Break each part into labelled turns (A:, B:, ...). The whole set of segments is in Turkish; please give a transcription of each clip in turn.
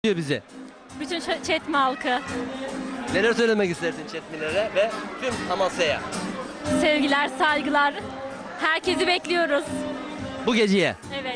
A: diyor bize.
B: Bütün Çetmi halkı.
A: Neler söylemek istersin Çetmilere ve tüm Amasya'ya
B: Sevgiler, saygılar. Herkesi bekliyoruz.
A: bu geceye?
B: Evet.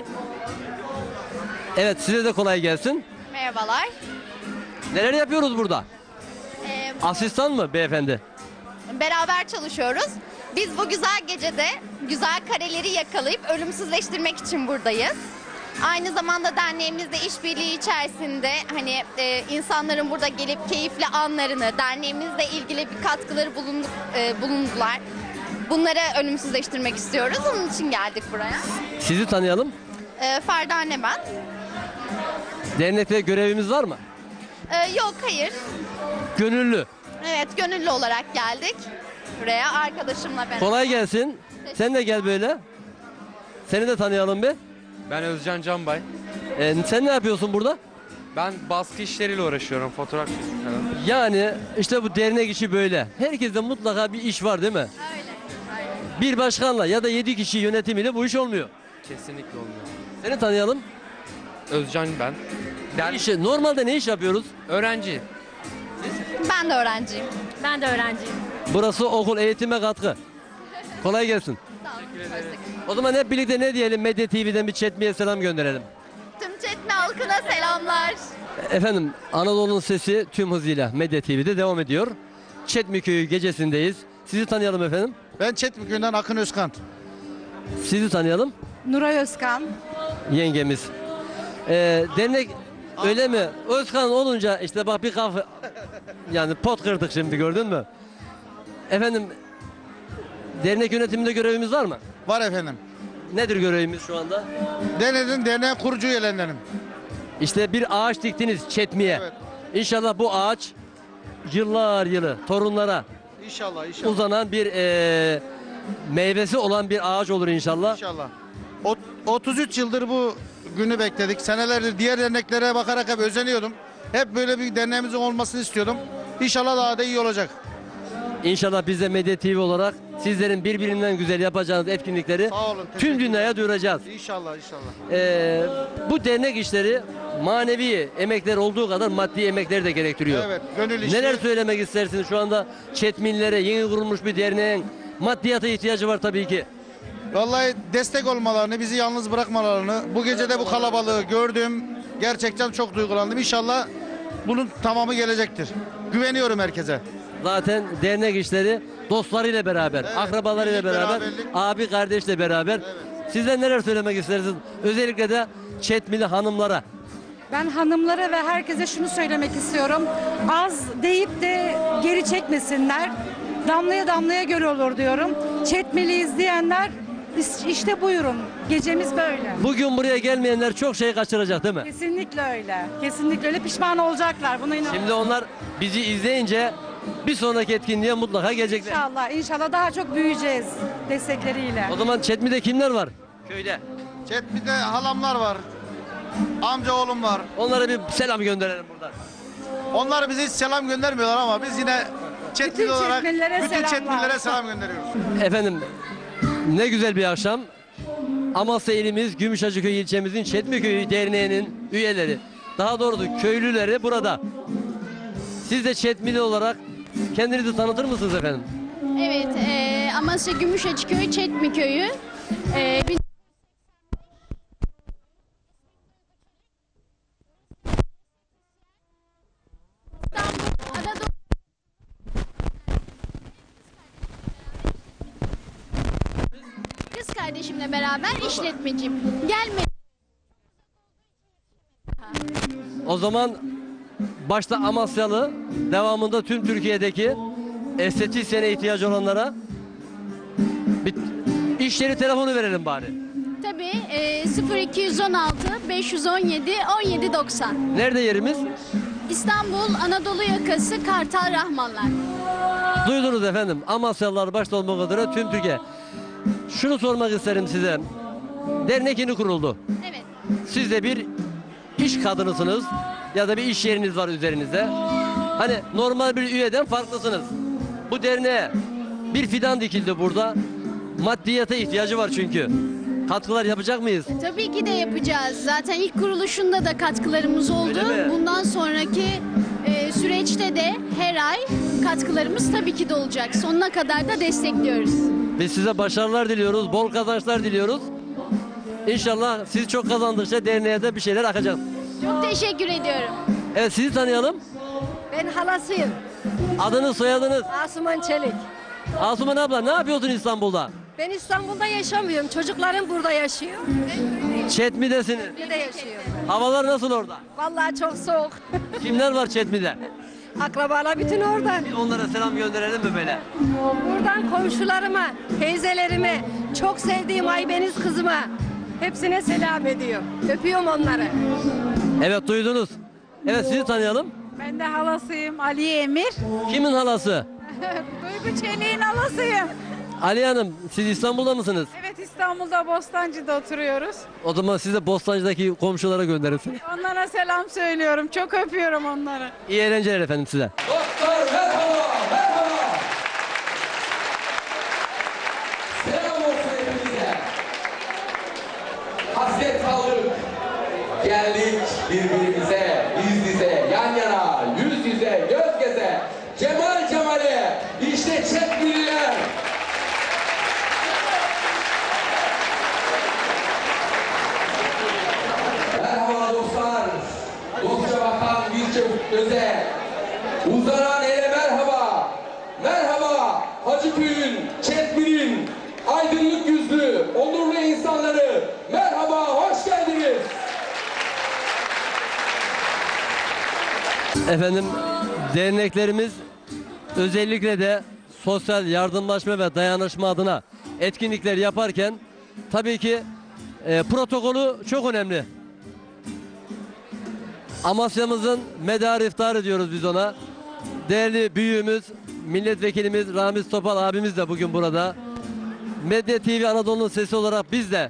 A: Evet, size de kolay gelsin.
C: Merhabalar.
A: Neler yapıyoruz burada? Asistan mı beyefendi?
C: Beraber çalışıyoruz. Biz bu güzel gecede güzel kareleri yakalayıp ölümsüzleştirmek için buradayız. Aynı zamanda derneğimizle işbirliği içerisinde insanların burada gelip keyifli anlarını, derneğimizle ilgili bir katkıları bulundular. Bunları ölümsüzleştirmek istiyoruz. Onun için geldik buraya.
A: Sizi tanıyalım.
C: Ferda anne ben.
A: Dernekte görevimiz var mı?
C: Yok, hayır.
A: Gönüllü.
C: Evet, gönüllü olarak geldik buraya arkadaşımla beraber.
A: Kolay gelsin. Sen de gel böyle. Seni de tanıyalım bir.
D: Ben Özcan Canbay.
A: Sen ne yapıyorsun burada?
D: Ben baskı işleriyle uğraşıyorum, fotoğraf çekim falan.
A: Yani işte bu dernek işi böyle. Herkeste mutlaka bir iş var değil mi?
C: Öyle.
A: Bir başkanla ya da 7 kişi yönetimiyle bu iş olmuyor.
D: Kesinlikle olmuyor.
A: Seni tanıyalım.
D: Özcan ben.
A: Normalde ne iş yapıyoruz?
D: Öğrenci.
C: Ben de öğrenciyim.
B: Ben de öğrenciyim.
A: Burası okul, eğitime katkı. Kolay gelsin.
C: Sağ olun.
A: O zaman hep birlikte ne diyelim? Medya TV'den bir Çetmi'ye selam gönderelim.
C: Tüm Çetmi halkına selamlar.
A: Efendim, Anadolu'nun sesi tüm hızıyla Medya TV'de devam ediyor. Çetmi Köyü gecesindeyiz. Sizi tanıyalım efendim.
E: Ben Çetmi Köyü'nden Akın Özkan.
A: Sizi tanıyalım.
F: Nuray Özkan.
A: Yengemiz. Dernek öyle mi? Özkan olunca işte bak bir kafa yani pot kırdık şimdi, gördün mü? Efendim, dernek yönetiminde görevimiz var mı?
E: Var efendim.
A: Nedir görevimiz şu anda?
E: Derneğin kurucu üyelerindenim.
A: İşte bir ağaç diktiniz Çetmi'ye.
E: Evet.
A: İnşallah bu ağaç yıllar yılı torunlara
E: İnşallah, inşallah.
A: uzanan bir meyvesi olan bir ağaç olur inşallah.
E: İnşallah. 33 yıldır bu günü bekledik. Senelerdir diğer derneklere bakarak hep özeniyordum. Hep böyle bir derneğimizin olmasını istiyordum. İnşallah daha da iyi olacak.
A: İnşallah biz de Medya TV olarak sizlerin birbirinden güzel yapacağınız etkinlikleri
E: Sağ olun,
A: tüm
E: teşekkür
A: dünyaya duyuracağız.
E: İnşallah, inşallah.
A: Bu dernek işleri manevi emekler olduğu kadar maddi emekleri de gerektiriyor.
E: Evet, gönül işi.
A: Neler söylemek istersiniz şu anda Çetminlere, yeni kurulmuş bir derneğin maddiyata ihtiyacı var tabii ki.
E: Vallahi destek olmalarını, bizi yalnız bırakmalarını, bu gece de bu kalabalığı gördüm. Gerçekten çok duygulandım. İnşallah bunun tamamı gelecektir. Güveniyorum herkese.
A: Zaten dernek işleri dostlarıyla beraber,
E: Evet,
A: akrabalarıyla
E: birlik,
A: beraber,
E: beraberlik.
A: abi kardeşle beraber. Sizler neler söylemek istersiniz? Özellikle de Çetmili hanımlara.
F: Ben hanımlara ve herkese şunu söylemek istiyorum. Az deyip de geri çekmesinler. Damlaya damlaya göl olur diyorum. Çetmeli izleyenler işte buyurun. Gecemiz böyle.
A: Bugün buraya gelmeyenler çok şey kaçıracak değil mi?
F: Kesinlikle öyle. Kesinlikle öyle, pişman olacaklar. Buna inanıyorum.
A: Şimdi onlar bizi izleyince bir sonraki etkinliğe mutlaka gelecekler.
F: İnşallah, inşallah daha çok büyüyeceğiz destekleriyle.
A: O zaman Çetmi'de kimler var? Köyde.
E: Çetmi'de halamlar var. Amca oğlum var.
A: Onlara bir selam gönderelim buradan.
E: Onlar bize hiç selam göndermiyorlar ama biz yine Çetmili
F: Bütün
E: olarak
F: Çetmililere
E: bütün
F: selamlar.
E: Çetmililere selam gönderiyoruz.
A: Efendim, ne güzel bir akşam. Amasya ilimiz Gümüşhacıköy ilçemizin Çetmi Köyü Derneği'nin üyeleri, daha doğrusu köylüleri burada. Siz de Çetmili olarak kendinizi tanıtır mısınız efendim?
G: Evet, Amasya Gümüşhacıköy Çetmi Köyü. Biz İstanbul, Anadolu kız kardeşimle beraber işletmeciyim. Gelme.
A: O zaman başta Amasyalı, devamında tüm Türkiye'deki estetisyene ihtiyacı olanlara bir iş yeri telefonu verelim bari.
G: Tabii 0216 517 1790.
A: Nerede yerimiz?
G: İstanbul Anadolu yakası Kartal Rahmanlar.
A: Duydunuz efendim. Amasyalılar başta olmak üzere tüm Türkiye. Şunu sormak isterim size. Dernek yeni kuruldu.
G: Evet.
A: Siz de bir iş kadınısınız ya da bir iş yeriniz var üzerinizde. Hani normal bir üyeden farklısınız. Bu derneğe bir fidan dikildi burada. Maddiyata ihtiyacı var çünkü. katkılar yapacak mıyız?
G: Tabii ki de yapacağız. Zaten ilk kuruluşunda da katkılarımız oldu.
A: Öyle mi?
G: Bundan sonraki süreçte de her ay katkılarımız tabii ki de olacak. Sonuna kadar da destekliyoruz.
A: Biz size başarılar diliyoruz, bol kazançlar diliyoruz. İnşallah siz çok kazandıkça derneğe de bir şeyler akacak.
G: Çok teşekkür ediyorum.
A: Evet, sizi tanıyalım.
H: Ben halasıyım.
A: Adınız, soyadınız?
H: Asuman Çelik.
A: Asuman abla, ne yapıyorsun İstanbul'da?
H: Ben İstanbul'da yaşamıyorum. Çocuklarım burada yaşıyor.
A: Çetmi'desiniz.
H: Burada yaşıyor.
A: Havalar nasıl orada?
H: Vallahi çok soğuk.
A: Kimler var Çetmi'de?
H: Akrabalar bütün orada.
A: Bir onlara selam gönderelim mi böyle?
H: Buradan komşularıma, teyzelerime, çok sevdiğim Aybeniz kızıma hepsine selam ediyor. Öpüyorum onları.
A: Evet, duydunuz. Evet, sizi tanıyalım.
F: Ben de halasıyım Aliye Emir.
A: Kimin halası?
F: Duygu Çelik'in halasıyım.
A: Ali Hanım, siz İstanbul'da mısınız?
F: Evet, İstanbul'da Bostancı'da oturuyoruz.
A: O zaman siz de Bostancı'daki komşulara gönderin.
F: Onlara selam söylüyorum. Çok öpüyorum onları.
A: İyi eğlenceler efendim size.
I: Doktor merhaba, merhaba. Selam olsun hepinize. Hasret kaldık. Geldik birbirimize, yüz yüze, yan yana, yüz yüze, göz göze. Cemal Cemal'e, işte Çetmililer. Merhaba dostlar. Dostça bakan bir çabuk göze. Uzanan ele merhaba. Merhaba Hacıköy'ün, Çetmil'in aydınlık yüzlü, onurlu insanları. Merhaba, hoş geldiniz.
A: Efendim, derneklerimiz özellikle de sosyal yardımlaşma ve dayanışma adına etkinlikler yaparken tabii ki protokolü çok önemli. Amasya'mızın medarı iftarı diyoruz biz ona. Değerli büyüğümüz, milletvekilimiz Ramiz Topal abimiz de bugün burada. Medya TV Anadolu'nun sesi olarak biz de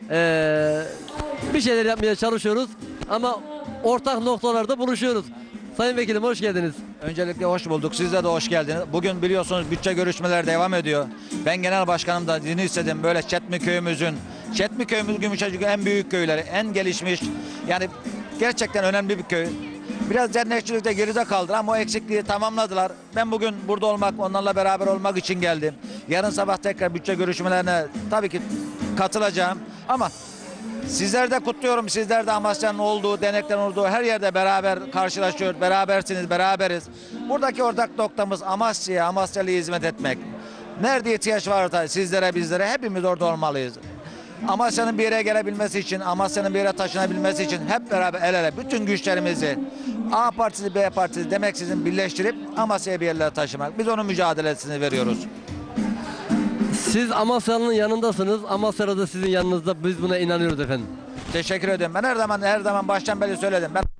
A: bir şeyler yapmaya çalışıyoruz ama ortak noktalarda buluşuyoruz. Sayın Vekilim, hoş geldiniz.
J: Öncelikle hoş bulduk. Siz de hoş geldiniz. Bugün biliyorsunuz bütçe görüşmeleri devam ediyor. Ben genel başkanım da izin istedim. Böyle Çetmi köyümüz Gümüşhacık en büyük köyleri, en gelişmiş. Yani gerçekten önemli bir köy. Biraz dernekçilikte geride kaldı ama o eksikliği tamamladılar. Ben bugün burada olmak, onlarla beraber olmak için geldim. Yarın sabah tekrar bütçe görüşmelerine tabii ki katılacağım. Ama sizler de kutluyorum. Sizler de Amasya'nın olduğu, derneklerin olduğu her yerde beraber karşılaşıyoruz. Berabersiniz, beraberiz. Buradaki ortak noktamız Amasya'ya, Amasyalı'ya hizmet etmek. Nerede ihtiyaç varsa sizlere, bizlere hepimiz orada olmalıyız. Amasya'nın bir yere gelebilmesi için, Amasya'nın bir yere taşınabilmesi için hep beraber el ele bütün güçlerimizi A partisi, B partisi demeksizin birleştirip Amasya'ya bir yerlere taşımak. Biz onun mücadelesini veriyoruz.
A: Siz Amasya'nın yanındasınız. Amasya'da da sizin yanınızda. Biz buna inanıyoruz efendim.
J: Teşekkür ederim. Ben her zaman baştan beri söyledim. Ben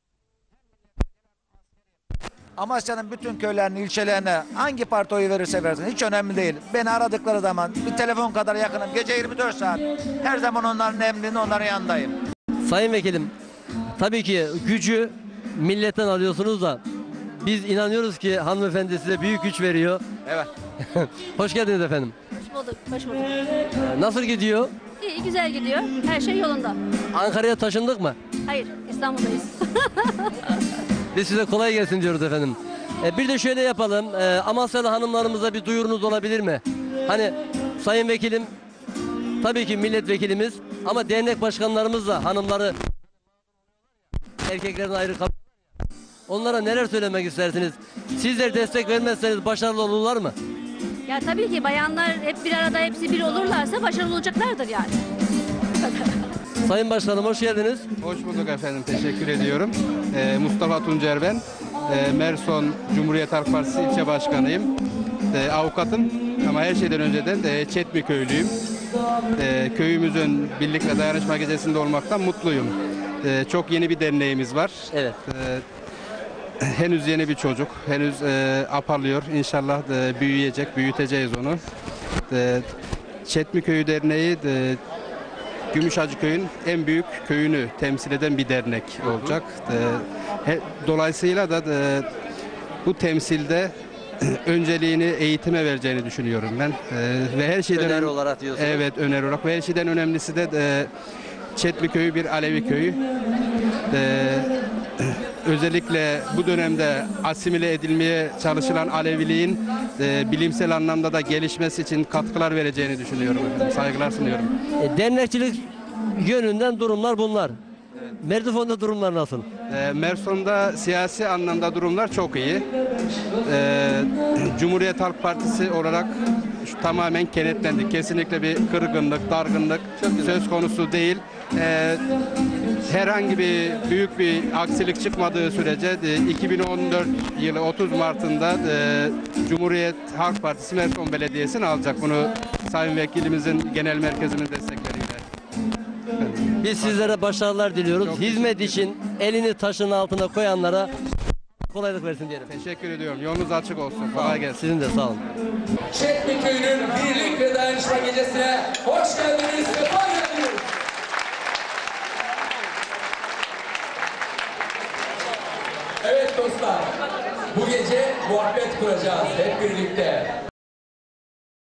J: Amasya'nın bütün köylerine, ilçelerine hangi parti oyu verirse versin hiç önemli değil. Beni aradıkları zaman bir telefon kadar yakınım. Gece 24 saat. Her zaman onların emrinde, onların yanındayım.
A: Sayın Vekilim, tabii ki gücü milletten alıyorsunuz da biz inanıyoruz ki hanımefendi size büyük güç veriyor.
J: Evet.
A: Hoş geldiniz efendim.
B: Hoş bulduk, hoş bulduk.
A: Nasıl gidiyor?
B: İyi, güzel gidiyor. Her şey yolunda.
A: Ankara'ya taşındık mı?
B: Hayır, İstanbul'dayız.
A: Biz size kolay gelsin diyoruz efendim. Bir de şöyle yapalım. Amasyalı hanımlarımıza bir duyurunuz olabilir mi? Hani Sayın Vekilim tabii ki milletvekilimiz ama dernek başkanlarımız da hanımları erkeklerin ayrı kabul. Onlara neler söylemek istersiniz? Sizler destek vermezseniz başarılı olurlar mı?
B: Ya tabii ki bayanlar hep bir arada, hepsi bir olurlarsa başarılı olacaklardır yani.
A: Sayın Başkanım, hoş geldiniz.
K: Hoş bulduk efendim, teşekkür ediyorum. Mustafa Tuncer ben. Merson Cumhuriyet Halk Partisi ilçe başkanıyım. Avukatım ama her şeyden önceden Çetmi köylüyüm. Köyümüzün birlik ve dayanışma gecesinde olmaktan mutluyum. Çok yeni bir derneğimiz var.
A: Evet.
K: Henüz yeni bir çocuk, henüz apalıyor. İnşallah büyüyecek, büyüteceğiz onu. Çetmi Köyü Derneği Gümüşhacıköy'ün en büyük köyünü temsil eden bir dernek olacak. Dolayısıyla da bu temsilde önceliğini eğitime vereceğini düşünüyorum ben. Ve her şeyden
A: Öneri olarak diyorsunuz.
K: Evet, öneri olarak ve her şeyden önemlisi de Çetmi Köyü bir Alevi köyü. Özellikle bu dönemde asimile edilmeye çalışılan Aleviliğin bilimsel anlamda da gelişmesi için katkılar vereceğini düşünüyorum efendim. Saygılar sunuyorum.
A: Dernekçilik yönünden durumlar bunlar. Merzifon'da durumlar nasıl?
K: Merson'da siyasi anlamda durumlar çok iyi. Cumhuriyet Halk Partisi olarak tamamen kenetlendik. Kesinlikle bir kırgınlık, dargınlık söz konusu değil. Herhangi bir büyük bir aksilik çıkmadığı sürece 2014 yılı 30 Mart'ında Cumhuriyet Halk Partisi Merson Belediyesi'ni alacak. Bunu Sayın Vekilimizin genel merkezinin destekleriyle.
A: Biz sizlere başarılar diliyoruz. Hizmet için elini taşın altına koyanlara kolaylık versin diyelim.
K: Teşekkür ediyorum. Yolunuz açık olsun. Kolay gelsin.
A: Sizin de sağ olun.
I: Çetmi Köyü'nün birlik ve dayanışma gecesine hoş geldiniz, sefa geldiniz. Evet dostlar, bu gece muhabbet kuracağız hep birlikte.